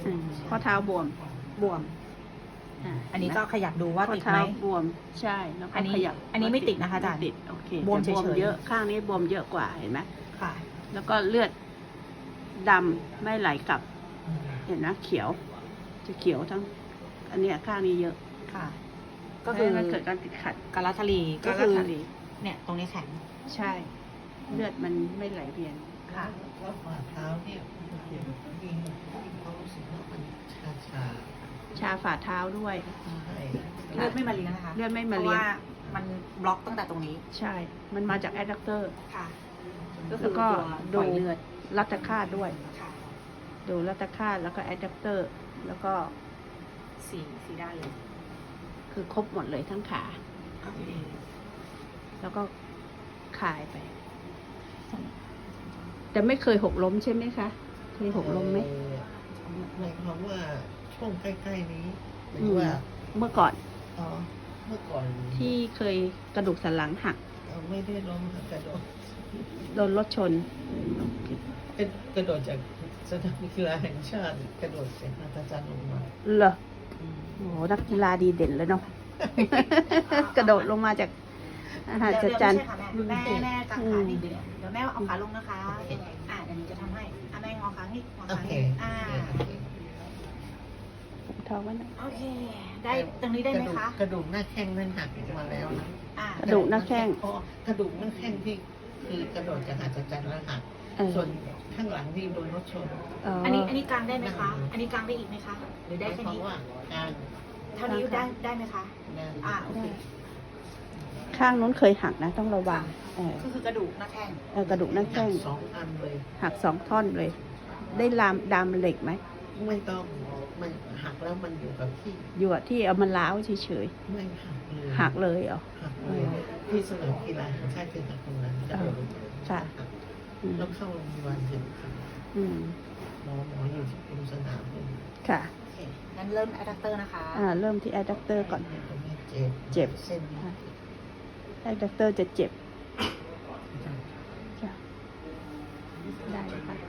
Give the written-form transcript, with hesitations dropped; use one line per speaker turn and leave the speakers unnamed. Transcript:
ข้อเท้าบวม
บวม อันนี้ก็ขยับดูว่า
ข้อ
ติดไห
เท้าม บวมใช่แล้วก็
อันนี้
ขยับ
อันนี้ไม่ติดนะคะอาจารย์
ไม่ติดโอเค
บวม
แต่
เฉยๆ
เยอะข้างนี้บวมเยอะกว่าเห็นไหม
ค่ะ
แล้วก็เลือดดำไม่ไหลกลับ เห็นนะเขียว จะเขียวทั้ง อันเนี้ยข้างนี้เยอะ
ค่ะ ก็คือ
มันเกิดการติดขัด
กาลาทารีก็
ก็
คือ
ทะเล
เนี่ยตรงนี้แข็ง
ใช่ เลือดมันไม่ไหลเวียน
ค่ะ
แล้วฝ่าเท้าเนี่ยมีความรู้สึกว่ามันชา
ชาฝ่าเท้าด้วย
ใช่
เลือดไม่มาเลี้ยงนะคะ
เลือดไม่มา
เพ
เลี้
ราะ
ยง
ว่ามันบล็อกตั้งแต่ตรงนี้
ใช่ มันมาจากแอดดักเตอร์
ค่ะ ก็คื
แล้
อ
วก็
ตัวป
ดู
ล่อยเลือด
รัตคาตด้วย
ค่ะ
ดูรัตคาตแล้วก็แอดดักเตอร์ แล้วก็
สีด้านเลย
คือครบหมดเลยทั้งขา แล้วก็คลายไป แต่ไม่เคยหกล้มใช่ไหมคะ เคยหกล้มไหม
หมายความว่าช่วงใกล้ๆนี้หรือว่า
เมื่อก่อน
อ๋อเมื่อก่อน
ที่เคยกระดูกสันหลังหัก
ไม่ได้ล้มค่ะกระโดด
โดนรถชน
เป็นกระโดดจากสนามกีฬาแห่งชาติกระโดดเสร็จอาจารย์ลงมา
เหรอโอ้โหนักกีฬาดีเด่นเลยเนาะ กระโดดลงมาจากอาหารจัดจัน
เดี๋ยวไม่ใช่ค่ะแม่กางขานิดเดียวเดี๋ยวแม่เอาขาลงนะคะ เดี๋ยวหนูจะทำให้แม่งอขานี่งอ
โอ
ขา
เค
นี่
ท้องไว้หน่อย
โอเค ได้ตรงนี้ได้ไหมคะ
กระดูกหน้าแข้งนั้นหักมาแล้วนะ
กระดูกหน้าแข้ง
อ๋อกระดูกหน้าแข้งที่คือกระโดดจากอาจารย์แล้วหัก ส่วนข้างหลังนี่โดนรถชน
อันนี้กางได้ไหมคะ อันนี้กางได้อีกไหมคะ หรือได้แค่
เพราะ
นี้
ว่าการ
เท่านี้ได้ไหมคะ โอเค
ข้างนู้นเคยหักนะ ต้องระวัง
ก็คือกระดูกหน้าแข้ง
กระดูกหน้า
หั
แข้
ก
ง
สองอันเลย
หักสองท่อนเลย ได้ดามเหล็กไหม
ไม่ต้องมันหักแล้วมันอยู่กับที่
อยู่อะที่เอามาล้าวเฉย
ไม่หักเลย
ๆหักเลยเหรอ
หักเลยที่สนามกีฬาแห่งชาติคือหักตรงนั้นกระโดด
ค่ะ
หัก
อืม
แล้วเข้าโรงพยาบาลเห็น
อืม
หมออยู่ที่กรมสนามเลย
ค่ะ
โอเค งั้นเริ่มอะแดปเตอร์นะคะ
เริ่มที่แอดดักเตอร์ก่อน
ตรงนี้เจ็บ
เจ็บ
เส้นนี้
แอดดักเตอร์จะเจ็บจ้ะได้ค่ะ